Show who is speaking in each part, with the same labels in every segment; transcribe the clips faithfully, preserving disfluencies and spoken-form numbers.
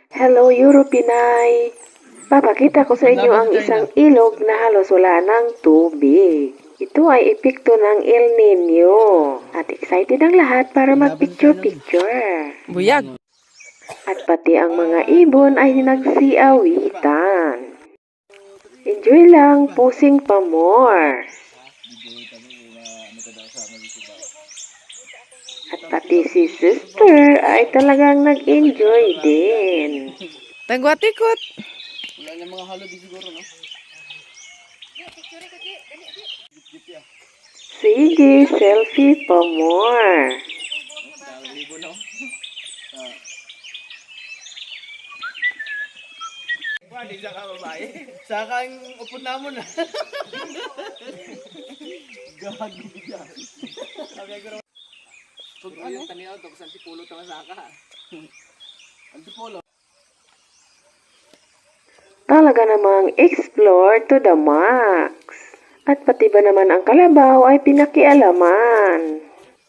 Speaker 1: Hello, Europinay! Papakita ko sa inyo ang isang ilog na halos wala ng tubig. Ito ay epekto ng El Nino. At excited ang lahat para mag-picture-picture.
Speaker 2: Buyag.
Speaker 1: At pati ang mga ibon ay nagsiawitan. Enjoy lang, pusing pa more. At pati si sister ay talagang nag-enjoy din.
Speaker 2: Tagwatikot.
Speaker 3: Wala na mga halo di siguro, no?
Speaker 1: Sige, selfie pa more.
Speaker 3: Libo, no? Hindi siya ka babae. Saka ang upod namon na. Gagi siya. Sabi ko naman. Pag ano? Taniyaw, tapos antipulo tama saka. Antipolo.
Speaker 1: Talaga namang explore to the max. At pati ba naman ang kalabaw ay pinakialaman.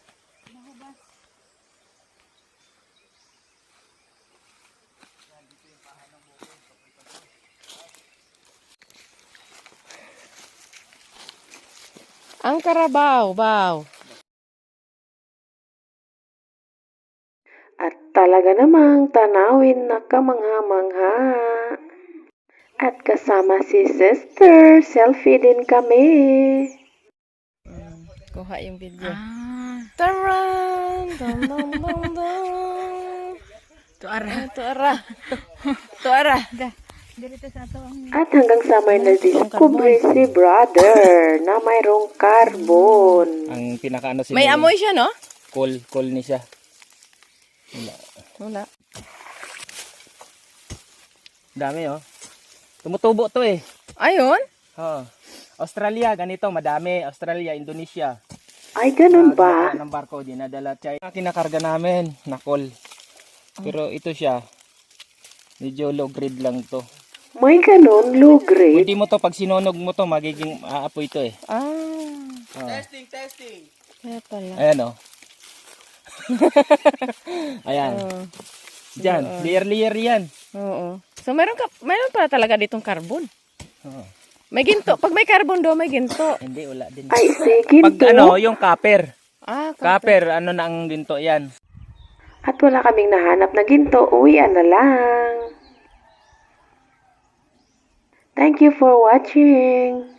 Speaker 2: Ang karabaw, baw.
Speaker 1: At talaga namang tanawin na kamangha-mangha. At kasama si sister, selfie din kami.
Speaker 2: Kuha yung video. Ah. Taran! Dum, dum, dum, dum. Tuara. Tuara. Tuara.
Speaker 1: At hanggang sa may na-discover si brother na mayroong carbon.
Speaker 3: Ang pinakaano si
Speaker 2: May amoy siya, no?
Speaker 3: Coal, coal ni siya. Wala.
Speaker 2: Wala.
Speaker 3: Dami, oh. Tumutubo to eh.
Speaker 2: Ayun?
Speaker 3: Oh. Australia, ganito, madami. Australia, Indonesia.
Speaker 1: Ay, ganun ba?
Speaker 3: Ng barko, dinadala. China. Kinakarga namin, na coal. Pero ito siya, medyo low grade lang to.
Speaker 1: May ganun, low grade.
Speaker 3: Pwede mo to, pag sinunog mo to, magiging aapoy to eh.
Speaker 2: Ah.
Speaker 3: Oh.
Speaker 4: Testing, testing.
Speaker 2: Kaya pala.
Speaker 3: Ayan, oh. Ayan.
Speaker 2: Oo.
Speaker 3: Diyan, layer-layer yan.
Speaker 2: Oo. So, meron ka, meron pala talaga ditong carbon.
Speaker 3: Oh.
Speaker 2: May ginto. Pag may carbon do, may ginto.
Speaker 3: Hindi, wala din.
Speaker 1: Ay, sige
Speaker 3: Pag
Speaker 1: to.
Speaker 3: ano, yung copper.
Speaker 2: Ah,
Speaker 3: Copper, ano na ang ginto yan.
Speaker 1: At wala kaming nahanap na ginto, uwian na lang. Thank you for watching.